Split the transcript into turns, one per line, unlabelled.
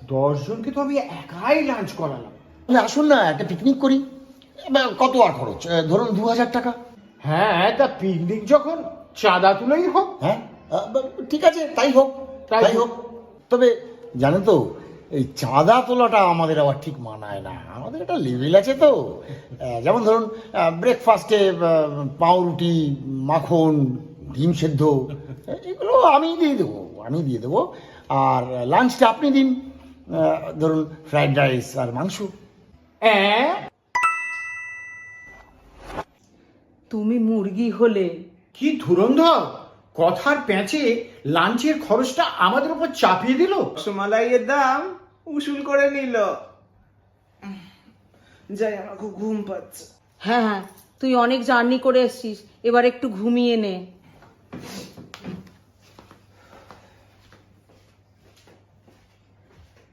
10 জনকে তো আমি একাই লাঞ্চ করালাম।
আসুন না, একটা পিকনিক করি। কত আর খরচ? ধরুন 2000 টাকা।
হ্যাঁ, তা পিকনিক যখন চাঁদা তুলেই হোক।
হ্যাঁ, ঠিক আছে, তাই হোক,
তাই
তাই হোক। তবে জানেন তো, এই চাঁদা তোলাটা আমাদের আবার ঠিক মানায় না। আমাদের একটা লেভেল আছে তো। যেমন ধরুন, ব্রেকফাস্টে পাউরুটি, মাখন, ডিম সেদ্ধ, এগুলো আমি দিয়ে দেবো। আর লাঞ্চটা আপনি দিন, ধরুন ফ্রাইড রাইস আর মাংস।
হ্যাঁ,
তুমি মুরগি হলে।
কি ধুরন্ধর! কথার প্যাঁচে লাঞ্চের খরচটা আমাদের উপর চাপিয়ে দিল।
রসমালাইয়ের দাম উসুল করে নিল। যাই, আমার খুব ঘুম পাচ্ছে।
হ্যাঁ হ্যাঁ, তুই অনেক জার্নি করে এসছিস, এবার একটু ঘুমিয়ে নে।